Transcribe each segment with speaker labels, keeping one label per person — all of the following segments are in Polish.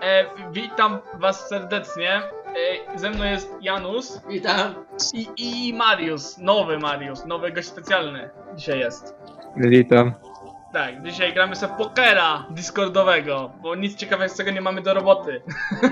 Speaker 1: Witam was serdecznie. Ze mną jest Janus.
Speaker 2: Witam.
Speaker 1: I Mariusz. Nowy gość specjalny dzisiaj jest.
Speaker 3: Witam.
Speaker 1: Tak, dzisiaj gramy sobie pokera discordowego, bo nic ciekawego nie mamy do roboty.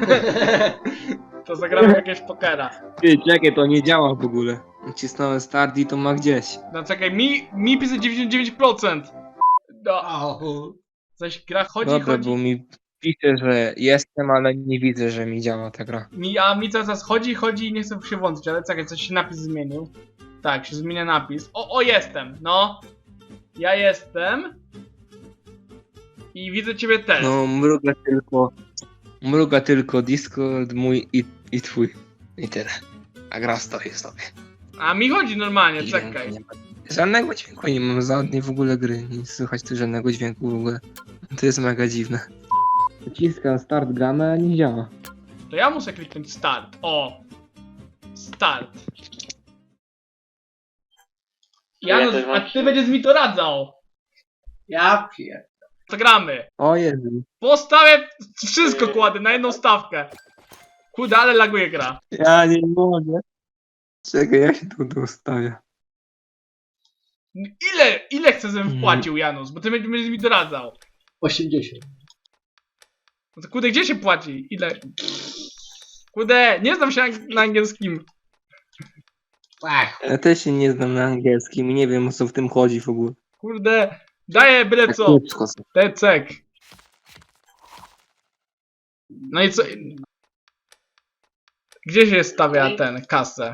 Speaker 1: To zagramy jakiegoś pokera.
Speaker 3: Ty, czekaj, to nie działa w ogóle. Nacisnąłem start i to ma gdzieś.
Speaker 1: No czekaj, mi pisze 99%. No,
Speaker 2: O,
Speaker 1: coś gra chodzi.
Speaker 3: Dobra, bo mi pisze, że jestem, ale nie widzę, że mi działa ta gra.
Speaker 1: Mi cały czas chodzi i nie chcę się włączyć, ale czekaj, coś się napis zmienił. Tak, się zmienia napis. O, jestem, no. Ja jestem. I widzę ciebie też.
Speaker 3: No, mruga tylko Discord mój i twój. I tyle. A gra stoi sobie.
Speaker 1: A mi chodzi normalnie,
Speaker 3: Dźwięku
Speaker 1: czekaj.
Speaker 3: nie ma. Żadnego dźwięku nie mam, żadnej w ogóle gry. Nie słychać tu żadnego dźwięku w ogóle. To jest mega dziwne. Naciskam start gramy, a nie działa.
Speaker 1: To ja muszę kliknąć start. O! Start. Janusz, a ty będziesz mi to radzał.
Speaker 2: ja pier...
Speaker 1: To gramy.
Speaker 3: O Jezu.
Speaker 1: Postawię wszystko kładę na jedną stawkę. Kurde, ale laguje gra.
Speaker 3: Ja nie mogę. Czekaj, jak się tu ustawia?
Speaker 1: Ile chcesz, żebym wpłacił, Janusz? Bo ty będziesz mi doradzał.
Speaker 2: 80.
Speaker 1: No to kurde, gdzie się płaci? Ile? Kurde, nie znam się na angielskim.
Speaker 2: Ach,
Speaker 3: Ja też się nie znam na angielskim i nie wiem, o co w tym chodzi w ogóle.
Speaker 1: Kurde, daję byle
Speaker 3: Tak
Speaker 1: co.
Speaker 3: kiepsko są.
Speaker 1: Tecek. No i co? Gdzie się stawia ten kasę?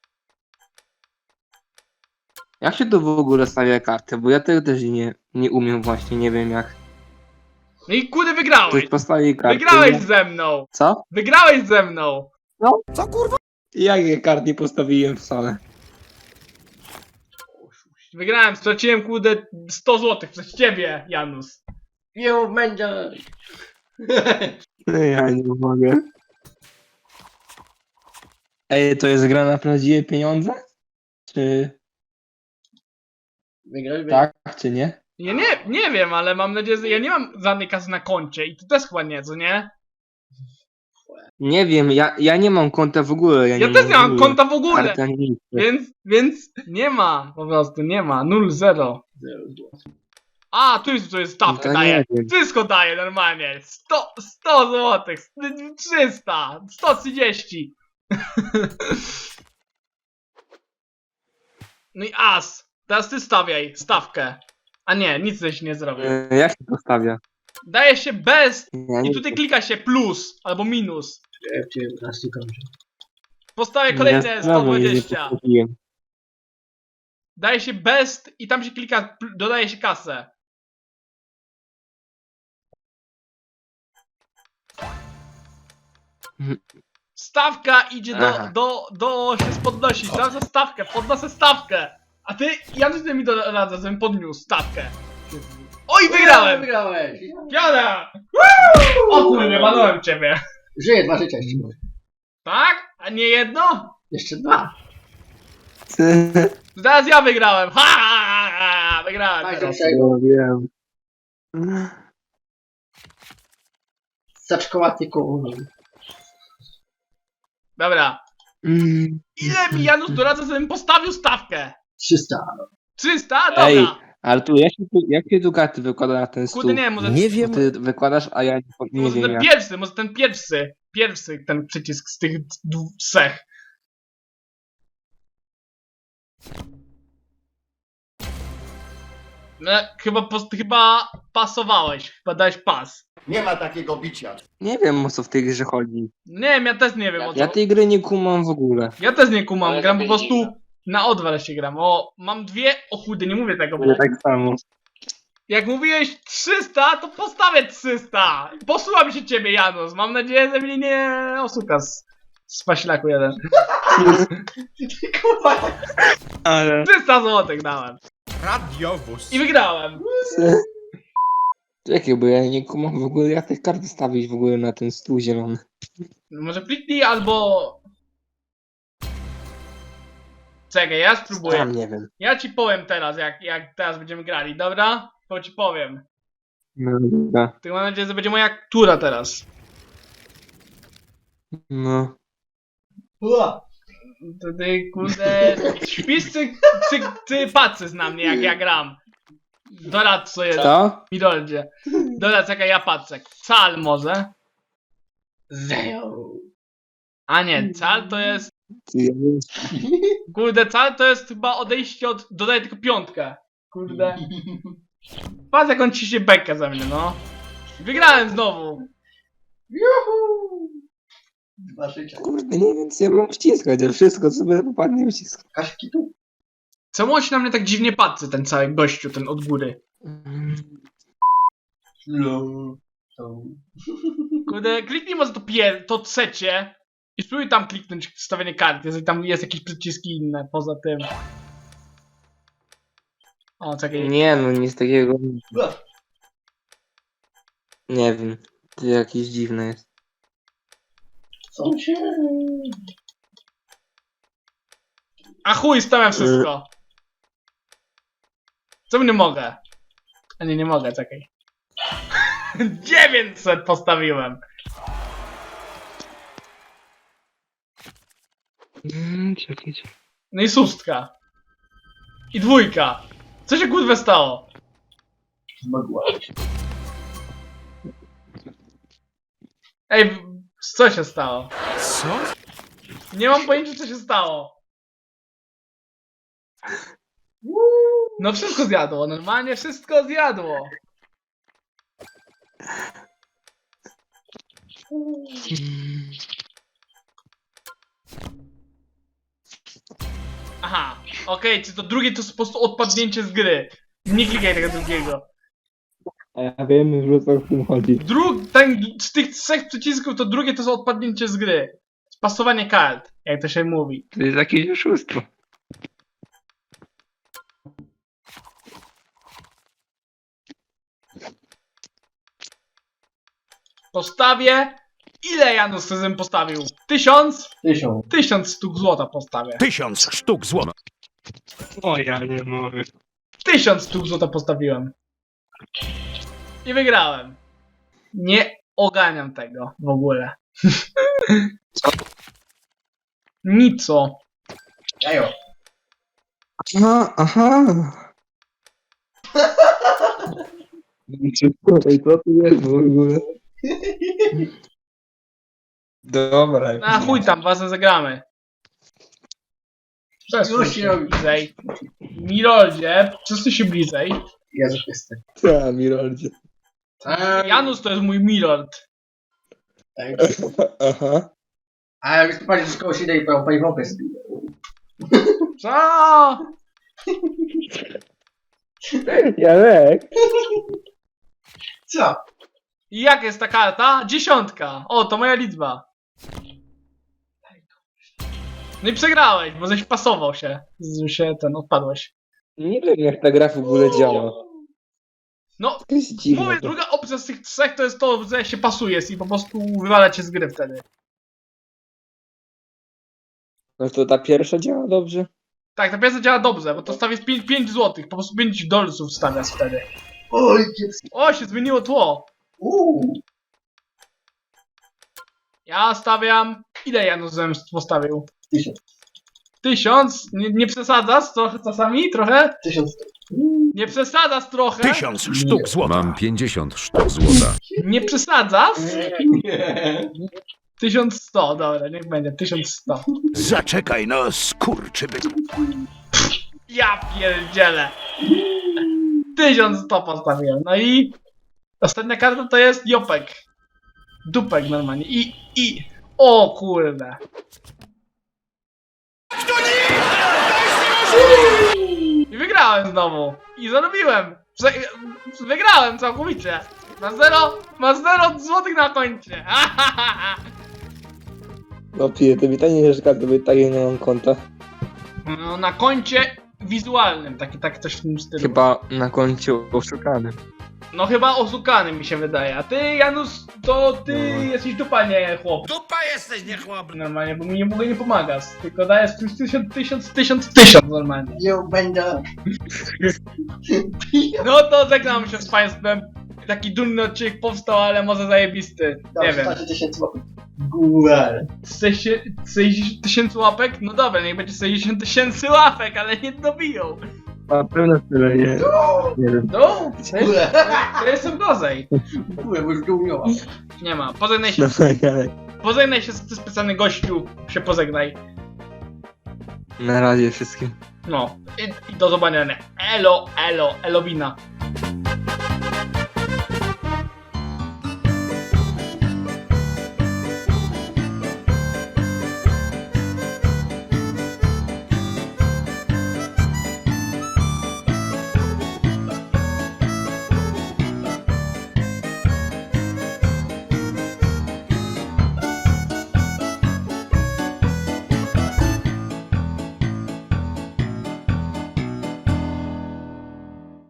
Speaker 3: Jak się tu w ogóle stawia kartę? Bo ja tego też nie umiem właśnie, nie wiem jak.
Speaker 1: No i kurde,
Speaker 3: Ktoś
Speaker 1: wygrałeś!
Speaker 3: postawi kartę.
Speaker 1: Wygrałeś ze mną!
Speaker 3: Co?
Speaker 1: Wygrałeś ze mną!
Speaker 3: Jakie kart nie postawiłem wcale?
Speaker 1: Wygrałem, straciłem kurde 100 zł przez ciebie, Janusz.
Speaker 2: nie będzie.
Speaker 3: No ja nie mogę. Ej, to jest gra na prawdziwe pieniądze? Czy
Speaker 2: Wygrałeś?
Speaker 3: tak, czy nie?
Speaker 1: Ja nie wiem, ale mam nadzieję, że ja nie mam żadnej kasy na koncie i ty też chyba nie, co nie?
Speaker 3: Nie wiem, ja nie mam konta w ogóle.
Speaker 1: Ja też nie mam konta w ogóle!
Speaker 3: Karty ani nic.
Speaker 1: Więc nie ma, po prostu nie ma, 0-0. A, tu jest stawka,
Speaker 3: To nie
Speaker 1: daje.
Speaker 3: wiem.
Speaker 1: Wszystko daje normalnie. 100 zł, 300, 130. No i as. Teraz ty stawiaj stawkę. A nie, nic żeś nie zrobił.
Speaker 3: Jak się to stawia?
Speaker 1: Daje się bez
Speaker 3: Ja
Speaker 1: i
Speaker 3: nie
Speaker 1: tutaj klika się plus albo minus.
Speaker 2: Ja cię raz nie kończę.
Speaker 1: Postawię kolejne
Speaker 3: Ja znowu nie
Speaker 1: 120.
Speaker 3: postawiłem.
Speaker 1: Daje się bez i tam się klika, dodaje się kasę. Stawka idzie
Speaker 3: Aha.
Speaker 1: do się podnosić. Sprawdza stawkę, podnoszę stawkę. A ty, ja ty mi doradza, żebym podniósł stawkę. Oj, wygrałem!
Speaker 2: Wygrałeś.
Speaker 1: Piona! O kurde, walnąłem ciebie.
Speaker 2: Żyję 2 życia jeszcze może.
Speaker 1: Tak? A nie jedno?
Speaker 2: Jeszcze 2.
Speaker 1: Teraz ja wygrałem. Ha! Wygrałem
Speaker 2: Tak,
Speaker 1: teraz.
Speaker 2: czego?
Speaker 3: wiem.
Speaker 2: Zaczkołaty koło.
Speaker 1: Dobra. Ile mi Janusz doradza, żebym postawił stawkę?
Speaker 2: 300.
Speaker 1: 300? Dobra.
Speaker 3: Ej, ale tu jak się tu karty wykłada na ten stół?
Speaker 1: Kurde, nie, może,
Speaker 4: Nie wiem.
Speaker 3: Ty wykładasz, a ja nie
Speaker 1: może
Speaker 3: wiem
Speaker 1: ten
Speaker 3: jak.
Speaker 1: pierwszy, ten przycisk z tych trzech. No, chyba pasowałeś, chyba dałeś pas.
Speaker 4: Nie ma takiego bicia.
Speaker 3: Nie wiem, o co w tej grze chodzi.
Speaker 1: Nie wiem, ja też nie wiem o co.
Speaker 3: Ja tej gry nie kumam w ogóle.
Speaker 1: Ja też nie kumam,
Speaker 2: Ale
Speaker 1: gram po
Speaker 2: lepiej
Speaker 1: prostu na odwal się gram. O, mam dwie, o kurde, nie mówię tego, bo
Speaker 3: Ja tak samo.
Speaker 1: jak mówiłeś 300, to postawię 300. Posłucham się ciebie, Janusz. Mam nadzieję, że mnie nie oszuka z paślaku jeden.
Speaker 2: Kurwa.
Speaker 3: Ale...
Speaker 1: 300 zł dałem.
Speaker 4: Radiowóz.
Speaker 1: I wygrałem.
Speaker 3: Czekaj, bo ja nie kumam w ogóle, jak te karty stawić w ogóle na ten stół zielony.
Speaker 1: Może kliknij albo... Czekaj, ja spróbuję.
Speaker 3: Sam nie wiem.
Speaker 1: Ja ci powiem teraz, jak teraz będziemy grali, dobra? To ci powiem.
Speaker 3: No, dobra.
Speaker 1: Tylko mam nadzieję, że będzie moja tura teraz.
Speaker 3: No.
Speaker 2: Ua.
Speaker 1: To ty, kurde, śpisz czy patrzysz na mnie, jak ja gram? Doradz, co jest.
Speaker 3: Co?
Speaker 1: Miroldzie. Doradz, jaka ja patrzę. Cal może?
Speaker 2: Zero.
Speaker 1: A nie, cal to jest...
Speaker 3: Ty, ja wiem.
Speaker 1: Kurde, cal to jest chyba odejście od... Dodaję tylko piątkę. Kurde. Patrz, jak on ciśnie bekę ze mnie, no. Wygrałem znowu.
Speaker 2: Juhu. 2 życia.
Speaker 3: Kurde, nie wiem co ja mam wciskać, ale wszystko co by popadnie wciskam.
Speaker 2: Kaszki tu.
Speaker 1: Czemu on się na mnie tak dziwnie patrzy, ten cały gościu, ten od góry?
Speaker 2: Low. To.
Speaker 1: Kurde, kliknij może to trzecie i spróbuj tam kliknąć wstawienie kart, jeżeli tam jest jakieś przyciski inne poza tym. O, czekaj.
Speaker 3: Nie no, nic takiego.
Speaker 2: Ua.
Speaker 3: Nie wiem. To jakieś dziwne jest.
Speaker 2: Co się...
Speaker 1: A chuj, stawiam wszystko. Co nie mogę? A nie mogę, czekaj. 900 postawiłem.
Speaker 3: Czekaj.
Speaker 1: No i szóstka. I dwójka. Co się kurwa stało?
Speaker 2: Zmogłaś.
Speaker 1: Ej, co się stało?
Speaker 4: Co?
Speaker 1: Nie mam pojęcia, co się stało. No wszystko zjadło, normalnie wszystko zjadło. Aha, okej, czy to drugie to jest po prostu odpadnięcie z gry. Nie klikaj tego drugiego.
Speaker 3: A ja wiem już o co w tym chodzi.
Speaker 1: Z tych trzech przycisków to drugie to jest odpadnięcie z gry. Spasowanie kart, jak to się mówi.
Speaker 3: To jest jakieś oszustwo.
Speaker 1: Postawię. Ile Janusz Sezem postawił? 1000?
Speaker 2: 1000.
Speaker 1: 1000 sztuk złota postawię.
Speaker 4: 1000 sztuk złota.
Speaker 3: O ja nie mogę.
Speaker 1: 1000 sztuk złota postawiłem. I wygrałem. Nie oganiam tego w ogóle. Nico.
Speaker 2: Jajo.
Speaker 3: Aha. Co tu jest w ogóle? Dobra.
Speaker 1: A chuj tam, ważne zagramy. Przesuń
Speaker 2: Już
Speaker 1: się
Speaker 2: się robi.
Speaker 1: bliżej. Miroldzie, przesuń się bliżej.
Speaker 2: Ja jestem.
Speaker 3: Co, Miroldzie?
Speaker 2: Tak.
Speaker 1: Janusz to jest mój Mirold.
Speaker 2: Tak.
Speaker 3: Aha.
Speaker 2: A jak wystąpić z kogoś idę i paliwowe spiję.
Speaker 1: Co?
Speaker 3: Janek.
Speaker 2: Co?
Speaker 1: I jak jest ta karta? 10. O, to moja liczba. No i przegrałeś, bo żeś pasował się. Odpadłeś.
Speaker 3: Nie wiem jak ta gra w ogóle działa.
Speaker 1: No,
Speaker 3: To jest dziwne.
Speaker 1: mówię, druga opcja z tych trzech to jest to, że się pasujesz i po prostu wywala cię z gry wtedy.
Speaker 3: No to ta pierwsza działa dobrze?
Speaker 1: Tak, ta piesa działa dobrze, bo to stawiasz 5 złotych, po prostu 5 dolców stawiasz wtedy.
Speaker 2: Oj, kiepski.
Speaker 1: O, się zmieniło tło. Ja stawiam... Ile Janusz Zemst postawił?
Speaker 2: 1000.
Speaker 1: 1000? Nie przesadzasz trochę czasami? Trochę?
Speaker 2: 1000.
Speaker 1: Nie przesadzasz trochę?
Speaker 4: 1000 sztuk złota.
Speaker 5: Mam 50 sztuk złota.
Speaker 1: Nie przesadzasz?
Speaker 2: Nie.
Speaker 1: 1100, dobra, niech będzie, 1100.
Speaker 4: Zaczekaj no, skurczybyk.
Speaker 1: Ja pierdzielę. 1100 postawiłem, no i... Ostatnia karta to jest Jopek. Dupek normalnie. O kurde. I wygrałem znowu. I zarobiłem. Wygrałem całkowicie. Ma 0 złotych na koncie.
Speaker 3: No pije, to mi to nie jest to by takie nie mam konta.
Speaker 1: No, na koncie wizualnym, tak coś w tym stylu.
Speaker 3: Chyba na koncie oszukanym.
Speaker 1: No chyba oszukany mi się wydaje. A ty, Janusz, to ty
Speaker 3: No.
Speaker 1: jesteś dupa, nie chłop.
Speaker 4: Dupa jesteś, nie chłop.
Speaker 1: Normalnie, bo mi nie mogę nie pomagasz. Tylko dajesz 1000 normalnie.
Speaker 2: Nie będę.
Speaker 1: No to żegnam się z państwem. Taki dumny odcinek powstał, ale może zajebisty. Nie wiem.
Speaker 2: 10 zł. Górę.
Speaker 1: 60 tysięcy łapek? No dobra, niech będzie 60 tysięcy łapek, ale nie dobiją.
Speaker 3: Na pewno tyle, nie? Nie wiem.
Speaker 1: No,
Speaker 2: Górę.
Speaker 1: to jestem gorzej.
Speaker 2: Górę, bo już go umiała.
Speaker 1: Nie ma, pożegnaj się,
Speaker 3: No tak, ale
Speaker 1: pożegnaj się z specjalny gościu, się pożegnaj.
Speaker 3: na razie wszystkim.
Speaker 1: No, i do zobaczenia. Elo, elo, elowina.